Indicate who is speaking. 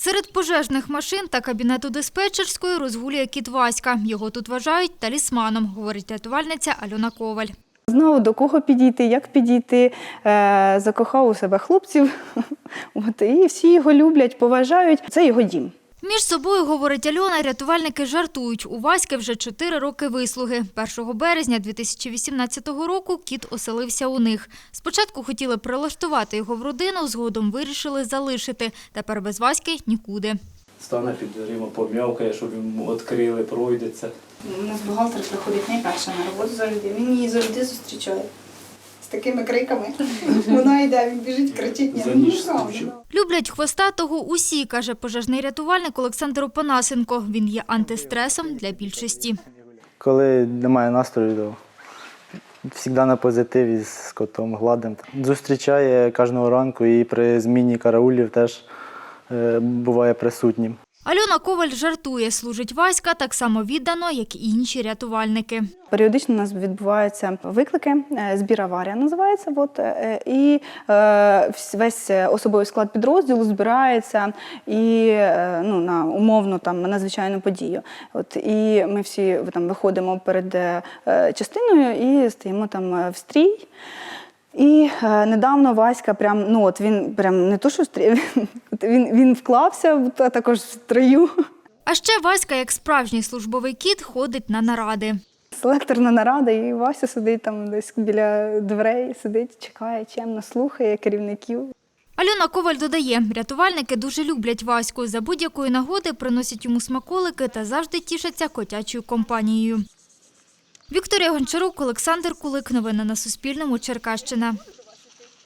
Speaker 1: Серед пожежних машин та кабінету диспетчерської розгулює кіт Васька. Його тут вважають талісманом, говорить рятувальниця Альона Коваль.
Speaker 2: Знав, до кого підійти, як підійти, закохав у себе хлопців. І всі його люблять, поважають. Це його дім.
Speaker 1: Між собою, говорить Альона, рятувальники жартують. У Васьки вже 4 роки вислуги. 1 березня 2018 року кіт оселився у них. Спочатку хотіли прилаштувати його в родину, згодом вирішили залишити. Тепер без Васьки нікуди.
Speaker 3: Стане під дверима, пом'явкає, щоб йому відкрили, пройдеться.
Speaker 4: У нас бухгалтер приходить найперше на роботу завжди. Він її завжди зустрічає. З такими криками. Вона йде, він біжить, кричить.
Speaker 3: За ніж скручив.
Speaker 1: Люблять хвостатого усі, каже пожежний рятувальник Олександр Опанасенко. Він є антистресом для більшості.
Speaker 5: Коли немає настрою, то завжди на позитиві з котом гладим. Зустрічає кожного ранку і при зміні караулів теж буває присутнім.
Speaker 1: Альона Коваль жартує, служить Васька так само віддано, як і інші рятувальники.
Speaker 2: Періодично у нас відбуваються виклики, збір аварія називається. І весь особовий склад підрозділу збирається і на умовно на надзвичайну подію. І ми всі виходимо перед частиною і стоїмо в стрій. І недавно Васька він не то що він вклався, а також в строю.
Speaker 1: А ще Васька, як справжній службовий кіт, ходить на наради.
Speaker 2: Селекторна нарада, і Вася сидить десь біля дверей, сидить, чекає, чемно слухає керівників.
Speaker 1: Альона Коваль додає, рятувальники дуже люблять Ваську. За будь-якої нагоди приносять йому смаколики та завжди тішаться котячою компанією. Вікторія Гончарук, Олександр Кулик. Новини на Суспільному. Черкащина.